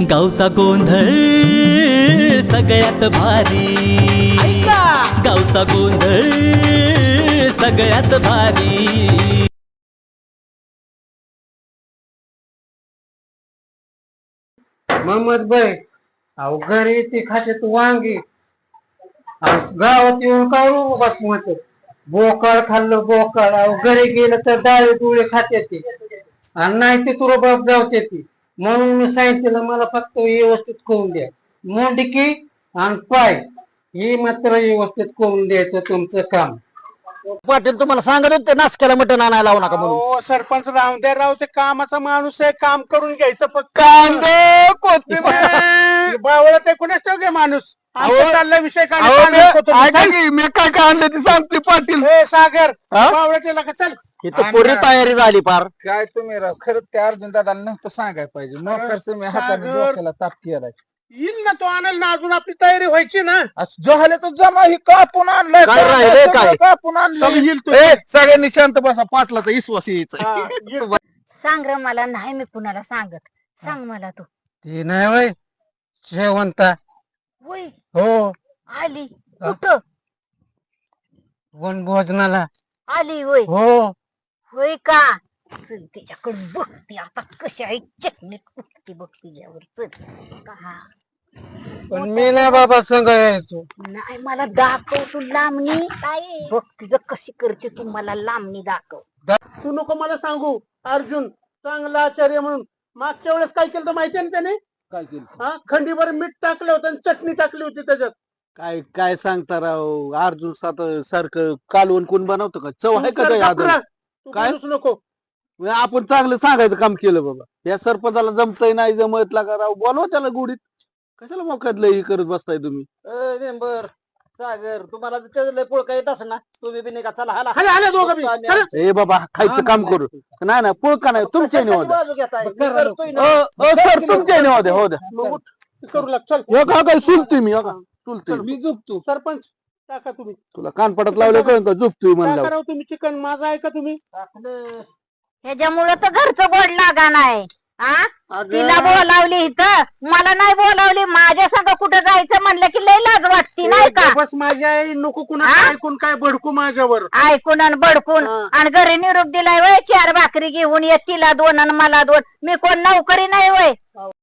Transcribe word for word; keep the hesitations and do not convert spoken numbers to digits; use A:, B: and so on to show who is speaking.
A: गावचा गोंधळ सगळ्यात भारी, गावचा गोंधळ सगळ्यात भारी।
B: मोहम्मद भाई अहो घरी ती खाते तू वांगी, गावात येऊन काय बस म्हणतो बोकाळ खाल्लं बोकाळ। अहो घरी गेलं तर डाळे डोळे खाते ती आणि नाही ते तुला बाप गावते ती। म्हणून मी सांगितलं मला फक्त व्यवस्थित करून द्या, मुंडकी आणि पाय ही मात्र व्यवस्थित करून द्यायचं तुमचं काम।
C: पाटील तुम्हाला सांगत होते नाशकाला मटण आणायला लावू नका म्हणून।
D: हो सरपंच राहून द्या राव, ते कामाचा माणूस आहे, काम करून घ्यायचं फक्त।
C: कांदे कोथिंबीर
D: बावळ ते कुणाच ठेव माणूस चालला विषय काय
C: मी काय काय आणलं ते सांगते पाटील।
D: सागर बावळ केला का चल
C: इथं पूर्ण तयारी झाली फार।
E: काय तुम्ही राव खरंच त्या अर्जुन दादाला नव्हतं सांगायला पाहिजे, नोकर तुम्ही हाताने डोक्याला ताप केलाय।
D: येईल ना तो आणाल ना, अजून आपली तयारी व्हायची ना।
E: झाले तर जमा ही कापून आणलंय,
C: काय राहिलंय काय?
E: कापून आणलं सगळ्यांनी शांत बसा, पाटला तर विश्वास यायचा।
F: सांग र मला, नाही मी कुणाला सांगत, सांग मला तू।
B: ती नाही वय शेवंता
F: होय
B: हो
F: आली कुठं?
B: वन भोजनाला
F: आली होय
B: हो।
F: होय का? चल तिच्याकडे बघती आता कशी आहे चटणी कुठती बघ तिच्यावर, चल का
B: पण मी नाही बाबा संग यायचो।
F: नाही मला दाखव तू लांबणी, बघ तिचं कशी करते तू, मला लांबणी दाखव।
D: तू नको मला सांगू, अर्जुन चांगला आचार्य म्हणून मागच्या वेळेस काय केलं माहिती ना त्याने?
E: काय केलं?
D: हा खंडीवर मीठ टाकलं होतं आणि चटणी टाकली होती त्याच्यात।
E: काय काय सांगता राव, अर्जुन सात सारखं कालवण कोण बनवतो का? चव आहे का काय?
D: तू
E: काय?
D: बोलूच नको।
E: आपण चांगलं सांगायचं काम केलं बाबा, या सरपंचाला जमतय नाही जमत लागा राव, बोलवा त्याला गोडीत, कशाला मोकातलं हे करत बसताय तुम्ही।
C: बर सागर तुम्हाला पोळका येत असं ना, तुम्ही बी नाही का चला हाला
D: आले आले दोघं बी चला.
E: ए बाबा खायचं काम करू, नाही नाही पुळका नाही तुमच्या निवाद
C: बाजू घेताय मी करतोय ना।
E: सर तुमच्या निवाद हो द्या
D: मग उठ, करू लाग चल।
E: हो का काय चुलतोय मी, हो का चुलतोय
D: मी झोपतो सरपंच, टाका तुम्ही
E: तुला कानपडात लावलं कळलं का झोपतोय
D: टाका
E: म्हणलं।
D: राव तुम्ही चिकन, माझं ऐका तुम्ही।
F: ह्याच्यामुळं तर घरचं गोड लागा नाही। हा तिला बोलावली इथं, मला नाही बोलावली। माझ्या संग कुठं जायचं म्हणलं की लय लाज वाटती नाही का?
D: बस माझी आई नको कुणा
F: हा?
D: ऐकून काय भडकू माझ्यावर।
F: ऐकून आणि बडकून
D: हा.
F: आणि घरी निरोप दिलाय वय, चार भाकरी घेऊन ये, तिला दोन आणि मला दोन। मी कोण नोकरी नाही वय?